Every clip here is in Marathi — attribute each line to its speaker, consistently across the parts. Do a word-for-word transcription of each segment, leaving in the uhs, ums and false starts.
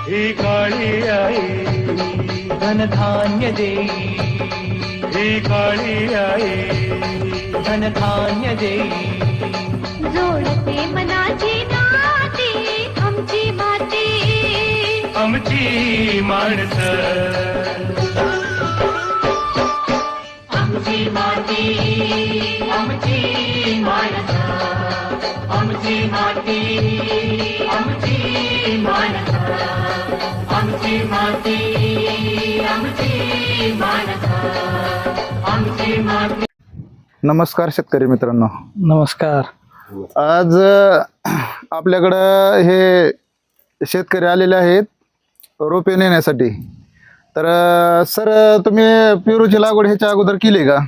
Speaker 1: ही काळी आई
Speaker 2: धनधान्य देई,
Speaker 1: ही काळी आई
Speaker 2: धनधान्य देई.
Speaker 3: जोडते मनाची नाती आमची माती,
Speaker 1: आमची माणसं
Speaker 2: आमची माती, आमची माणसं, आमची माती, आमची माणसं, आमची माती, आमची माणसं, आमची माती.
Speaker 4: नमस्कार शेतकरी मित्रांनो.
Speaker 5: नमस्कार.
Speaker 4: आज अ, आपल्याकडं हे शेतकरी आलेले आहेत रोपे नेण्यासाठी. तर अ, सर तुम्ही पेरूची लागवड ह्याच्या अगोदर केली का?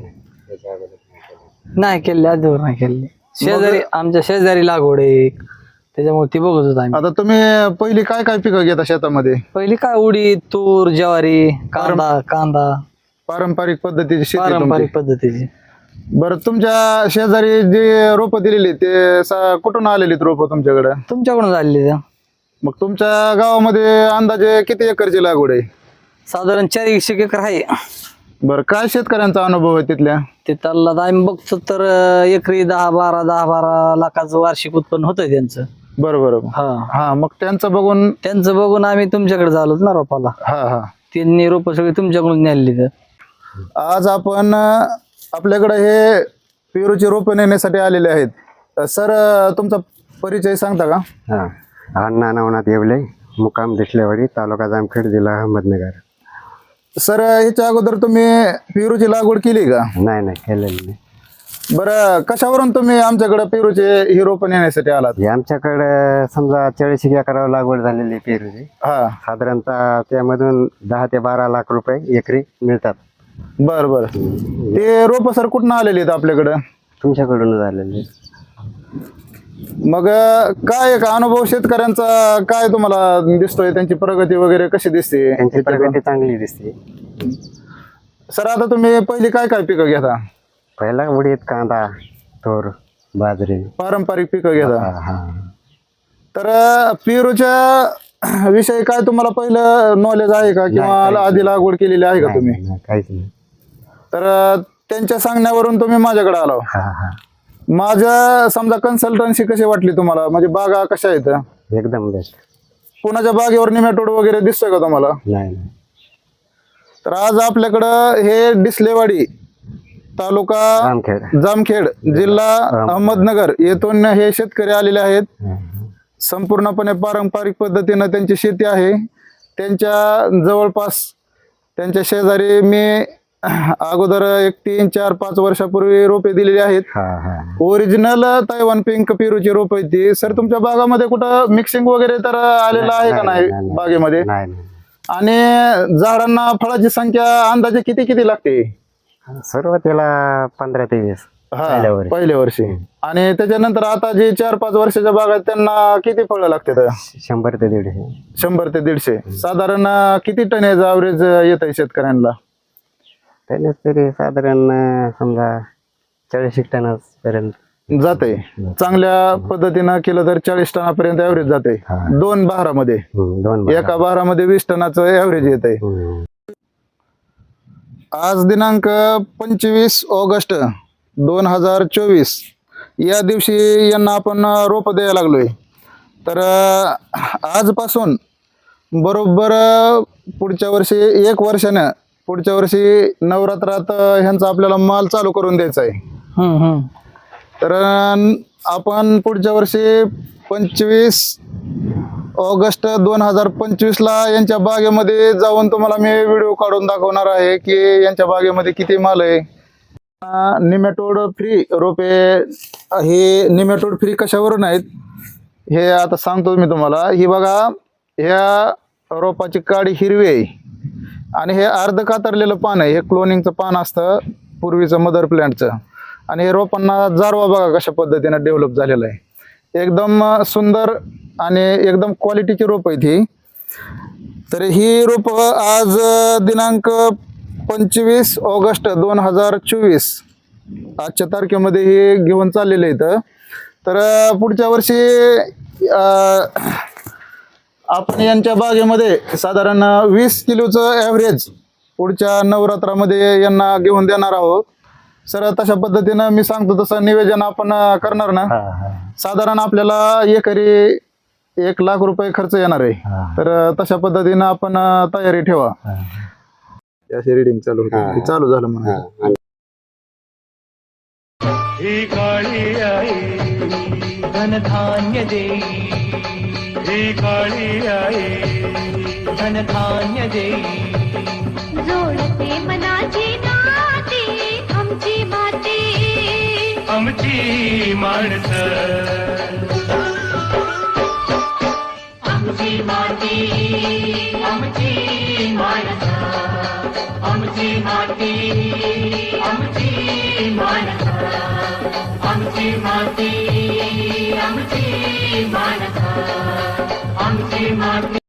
Speaker 5: नाही केले, आजवर नाही केले. शेजारी आमच्या शेजारी लागवड आहे एक, त्याच्यामुळे ती बघत होतो आम्ही.
Speaker 4: आता तुम्ही पहिली काय काय पिकं घेता शेतामध्ये?
Speaker 5: पहिली काय उडीद, तूर, ज्वारी, कांदा कांदा
Speaker 4: पारंपरिक पद्धतीची शेती तुमची.
Speaker 5: पारंपरिक पद्धतीची.
Speaker 4: बरं, तुमच्या शेजारी जे रोपं दिलेली ते सा- कुठून आलेली रोपं तुमच्याकडे?
Speaker 5: तुमच्याकडून झालेली त्या.
Speaker 4: मग तुमच्या गावामध्ये अंदाजे किती एकरची लागवड आहे?
Speaker 5: साधारण चार एकशे एकर आहे.
Speaker 4: बरं, काय शेतकऱ्यांचा अनुभव आहे तिथल्या?
Speaker 5: ते त्याला आम्ही बघतो तर अं, एकरी दहा बारा दहा बारा लाखाचं वार्षिक उत्पन्न होतंय त्यांचं.
Speaker 4: बरं बरं.
Speaker 5: हा,
Speaker 4: हा, मग त्यांचं बघून
Speaker 5: त्यांचं बघून आम्ही तुमच्याकडे झालो ना रोपाला.
Speaker 4: हा हा
Speaker 5: त्यांनी रोप सगळी तुमच्याकडून नेली. तर
Speaker 4: आज आपण अ, आपल्याकडे हे पेरूची रोपं नेण्यासाठी आलेले आहेत. अ, सर अ, तुमचा परिचय सांगता का?
Speaker 6: हा, अण्णा नवनाथ येवले, मुक्काम दिसलेवाडी, तालुका जामखेड, जिल्हा अहमदनगर.
Speaker 4: सर अ, ह्याच्या अगोदर तुम्ही पेरूची लागवड केली का?
Speaker 6: नाही नाही केलेली नाही.
Speaker 4: बरं, कशावरून तुम्ही आमच्याकडे पेरूचे ही रोपं नेण्यासाठी आलात?
Speaker 6: हे आमच्याकडे समजा चाळीस एकरावर लागवड झालेली आहे पेरूची.
Speaker 4: हा,
Speaker 6: साधारणतः त्यामधून दहा ते बारा लाख रुपये एकरी मिळतात.
Speaker 4: बरं बरं. ते रोपं सर कुठून आलेली आहेत आपल्याकडं?
Speaker 6: तुमच्याकडून झालेली.
Speaker 4: मग अ, काय का अनुभव शेतकऱ्यांचा काय तुम्हाला दिसतोय? त्यांची प्रगती वगैरे कशी दिसते?
Speaker 6: त्यांची प्रगती चांगली दिसते.
Speaker 4: सर आता तुम्ही पहिली काय काय पिकं घेता?
Speaker 6: पहिला उडीद, कांदा, तूर, बाजरी.
Speaker 4: पारंपरिक पिकं घेता.
Speaker 6: हा हा
Speaker 4: तर अ, पेरूच्या विषयी काय तुम्हाला पहिलं नॉलेज आहे का, किंवा आधी लागवड केलेली आहे का
Speaker 6: नाही,
Speaker 4: तुम्ही?
Speaker 6: नाही, काहीच नाही.
Speaker 4: तर अ, त्यांच्या सांगण्यावरून तुम्ही माझ्याकडे आलो.
Speaker 6: हा हा
Speaker 4: माझ्या समजा कन्सल्टन्सी कशी वाटली तुम्हाला? म्हणजे बागा कशा आहेत?
Speaker 6: एकदम बेस्ट.
Speaker 4: कोणाच्या बागेवर निमॅटोड वगैरे दिसतोय का तुम्हाला?
Speaker 6: नाही नाही.
Speaker 4: तर आज आपल्याकडं हे डिसलेवाडी तालुका
Speaker 6: जामखेड.
Speaker 4: जामखेड, जिल्हा अहमदनगर येथून हे शेतकरी आलेले आहेत.
Speaker 6: हा,
Speaker 4: संपूर्णपणे पारंपरिक पद्धतीनं त्यांची शेती आहे. त्यांच्या जवळपास त्यांच्या शेजारी मी अगोदर एक तीन चार पाच वर्षापूर्वी रोपे दिलेली आहेत.
Speaker 6: हा हा
Speaker 4: ओरिजिनल तैवान पिंक पेरूची रोप आहेत ती. सर तुमच्या बागामध्ये कुठं मिक्सिंग वगैरे तर आलेलं आहे का नाही बागेमध्ये?
Speaker 6: नाही नाही.
Speaker 4: आणि झाडांना फळाची संख्या अंदाजे किती किती लागते?
Speaker 6: सुरुवातीला पंधरा ते वीस
Speaker 4: हा,
Speaker 6: पहिल्या वर्षी.
Speaker 4: पहिल्या वर्षी. आणि त्याच्यानंतर आता जे चार पाच वर्षाच्या बागा आहेत त्यांना किती फळं लागतात?
Speaker 6: शंभर ते दीडशे.
Speaker 4: शंभर ते दीडशे. साधारण किती टन याचं ॲव्हरेज येत आहे शेतकऱ्यांना?
Speaker 6: त्याने तरी साधारण अं, समजा चाळीस टन पर्यंत
Speaker 4: जाते. चांगल्या पद्धतीनं केलं तर चाळीस टनापर्यंत ॲव्हरेज जाते.
Speaker 6: हा.
Speaker 4: दोन बहारामध्ये.
Speaker 6: हम्म, दोन
Speaker 4: एका बहारामध्ये वीस टनाचं ॲव्हरेज येत आहे.
Speaker 6: हम्म.
Speaker 4: आज दिनांक पंचवीस ऑगस्ट दोन हजार चोवीस या दिवशी यांना आपण रोप द्यायला लागलोय. तर अं, आजपासून बरोबर अं, पुढच्या वर्षी एक वर्षानं पुढच्या वर्षी नवरात्रात अं, ह्यांचा आपल्याला माल चालू करून द्यायचा आहे.
Speaker 5: हम्म हम्म
Speaker 4: तर अं, आपण पुढच्या वर्षी पंचवीस ऑगस्ट दोन हजार पंचवीसला यांच्या बागेमध्ये जाऊन तुम्हाला मी व्हिडिओ काढून दाखवणार आहे की यांच्या बागेमध्ये किती माल आहे. निमॅटोड फ्री रोपे, हे निमॅटोड फ्री कशावरून आहेत हे आता सांगतो मी तुम्हाला. ही बघा, ह्या रोपाची काडी हिरवी आहे आणि हे अर्ध कातरलेलं पान आहे. हे क्लोनिंगचं पान असतं पूर्वीचं मदर प्लॅन्टचं. आणि हे रोपांना जारवा बघा कशा पद्धतीनं डेव्हलप झालेला आहे. एकदम सुंदर आणि एकदम क्वालिटीची रोप आहेत ही. तर ही रोप आज दिनांक पंचवीस ऑगस्ट दोन हजार चोवीस आजच्या तारखेमध्ये हे घेऊन चाललेले आहेत. तर पुढच्या वर्षी आपण यांच्या बागेमध्ये साधारण वीस किलोचं ॲव्हरेज पुढच्या नवरात्रामध्ये यांना घेऊन देणार आहोत. सर तशा पद्धतीनं मी सांगतो तसं नियोजन आपण करणार ना. साधारण आपल्याला एकरी एक लाख रुपये खर्च येणार आहे. तर तशा पद्धतीनं आपण तयारी ठेवा. अशी रिडिंग चालू होती, चालू झालं म्हणून.
Speaker 1: ही काळी आई
Speaker 2: धनधान्य देई
Speaker 1: ही काळी आई
Speaker 2: धनधान्य देई
Speaker 3: जोडते मनाची नाती आमची माती
Speaker 1: आमची माणसं
Speaker 2: आमची माती आमची माणसं आमची माती आमची माणसं आमची माती आमची माणसं आमची माती